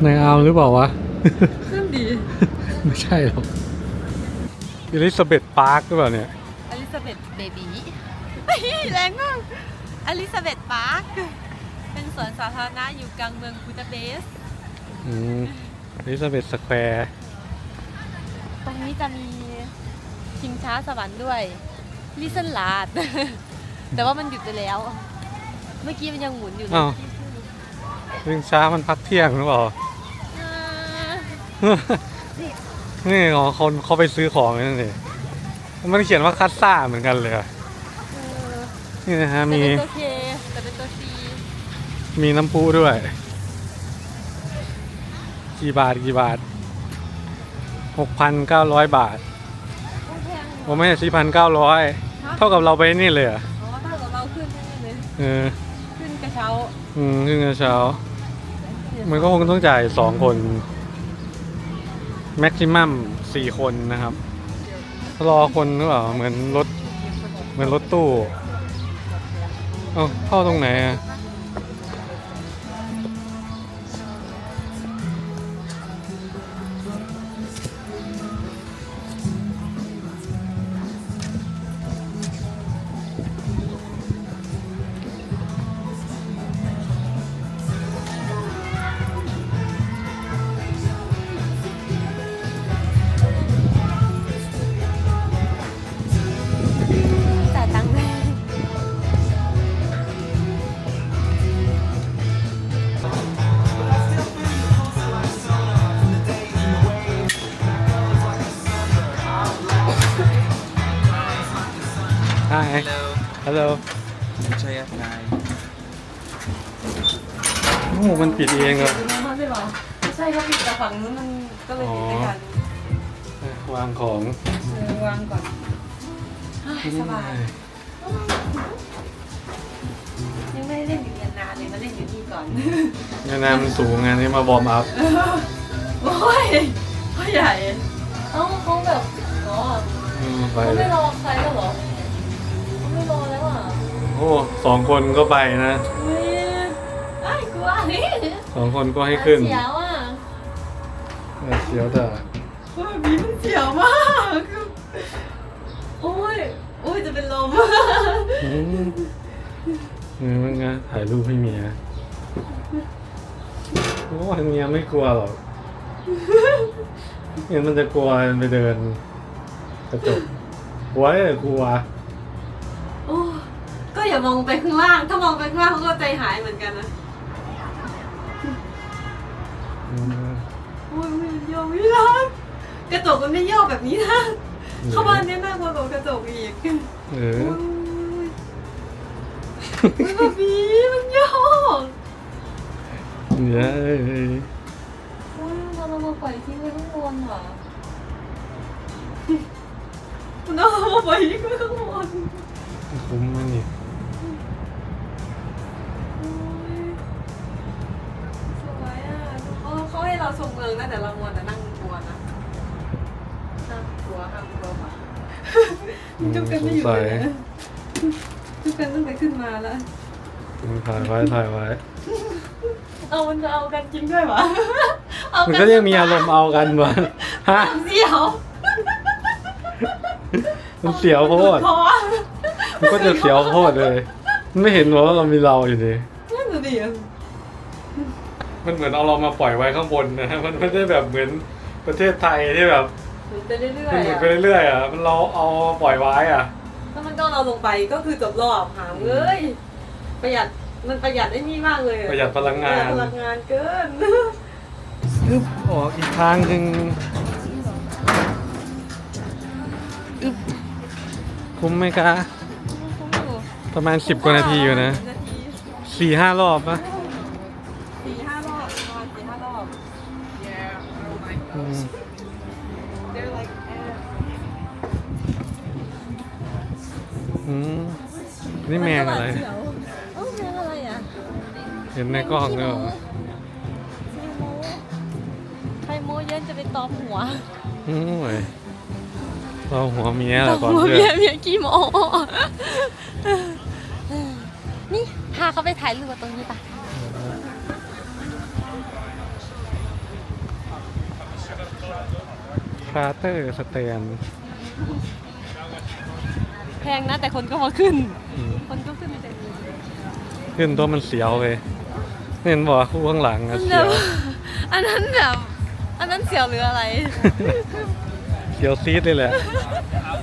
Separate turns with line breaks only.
ในอาร์มหรือเปล่าวะ
นั่นดี
ไม่ใช่หรอกอลิซาเบธพาร์คหรือเปล่าเนี่ย
อลิซาเบธเบบีแรงมากอลิซาเบธพาร์คเป็นสวนสาธารณะอยู่กลางเมืองบูดาเปสต์
อลิซาเบธสแควร์
ตรงนี้จะมีชิงช้าสวรรค์ด้วยลิซันลาด แต่ว่ามันหยุดไปแล้ว เมื่อกี้มันยังหมุนอยู่เลย
อ้าววิ่งช้ามันพักเที่ยงหรือเปล่า นี่คนเขาไปซื้อของนั่นเองมันเขียนว่าคัสซ่าเหมือนกันเลยอะนี่นะฮะ
แต่
มี
เป็นตัวเคแต่เป็นตัวซี
มีน้ำพุด้วยกี่บาท6,900 บาท
แพง
โอ้ไม่ใช่4,900 เท่ากับเราไปนี่เลยอ่ะ
อ๋อถ้ากับเราขึ้นแน่เลย ขึ้นกระเช้า
ขึ้นกระเช้า มันก็คงต้องจ่าย2 คนแม็กซิมัม4 คนนะครับ รอคนหรือเปล่าเหมือนรถตู้เข้าตรงไหนอ่ะ
จ่ายตังค์เลย
Hi Hello
ใช่ครับนาย
โอ้มันปิดเองเหรอ
ใช่ครับปิดแต่ฝั่งนู้นมันก็เลยปิดไม่ทัน
วางของ
วางก่อนสบาย ยังไม่ได้เล่นอยู่นานเลยมาเล่นอยู่นี่ก่อน
งานน้ำมันสูงงานนี้มาบอร์มอัพ
โอ้ยพ่อใหญ่เขาแบบอ๋อ
ไป
เขา
เล
ไม่
ย
รอใครแล้วเหรอเขาไม่รอแล้วอ่ะ
โอ้2 คนก็ไปนะ
เฮ้ยไอ้กลัวนี่
2 คนก็ให้ขึ้น
เสียวอ่ะ
เสียวแต่
โอ้ยบีมันเสียวมากโอ้ยจะเป็นลม
มันไงถ่ายรูปให้เมียโอ้เมียไม่กลัวหรอกเมียมันจะกลัวไปเดินกระจกกลัวเลยกลัว
โอ้ก็อย่ามองไปข้างล่าง ถ้ามองไปข้างล่างเขาก็ใจหายเหมือนกันนะโอ้ยมันโยกไม่รักกระจกมันไม่โยกแบบนี้นะเข้าบ้านเนี่ยน่ากลัวกว่ากระจกอีก
เอ
โอ้
อย
แบบนี้มันโยก
เนี่ย
โอ้ยเรามาปล่อยทิ้งไว้ข้างบนเหรอเรามาปล่อยทิ้งไว้ข้างบน
คุ้มมันนี่
สวยอ่ะเขาให้เราชมเมืองนะแต่เรามัวแต่นั่งกลัวนะห้ามกลัวมาจุกกันไม่อยู่เลยนะจุกกันตั้งแต่ขึ้นมาแล้ว
ถ่ายไว้
มันจะเอากันจริงด้วยวะ
มันก็ยังมีอารมณ์เอากันวะฮะ
เสียว
มันเสียวโคตร
คอ
มันก็จะเสียวโคตรเลย มันไม่เห็นหรอว่าเรามีเราอยู่ดิ
นั่นดูดิ
มันเหมือนเอาเรามาปล่อยไว้ข้างบนนะ มันไม่ได้แบบเหมือนประเทศไทยที่แบบ
หมุนไปเรื่อย
มัน
ๆ
หมุน
อ่ะ
ไปเรื่อยๆอ่ะ มันเราเอาปล่อยไว้อ่ะ
ถ้ามันก็เราลงไปก็คือจบรอบหามเลยประหยัดมันประหยัดได้นี่มากเลย
ประหยัดพลังงาน
พลังงานเกิน
อึ๊บออกอีกทางหนึ่งอึ๊บคุ้มไหมคะ ประมาณ10 กว่านาทีอยู่นะ 4-5 รอบปะ
4-5 รอบประมาณ4-5 รอบ
อืม
They're like
นี่แมงอะไร
แมงอะไรอ่ะ
เห็นในกล้องด้วยเหรอ
ไข่โมเย็นจะไปตอมหัว
โอ้ยเราหัวเมียแหละก่อน
หัว
เพื่
เมี
อย น
เมียกี่โมนี่พาเขาไปถ่ายรูปตรงนี้ปะ
คราเตอร์สแตน
แพงนะแต่คนก็มาขึ้น คนก็ขึ้นเต็มเลย
ขึ้นตัวมันเสียวเลยเห็นบอกว่าคู่ข้างหลังอะเสียว
อันนั้นแบบอันนั้นเสียวหรืออะไร
เสียวซีดเลยแหละ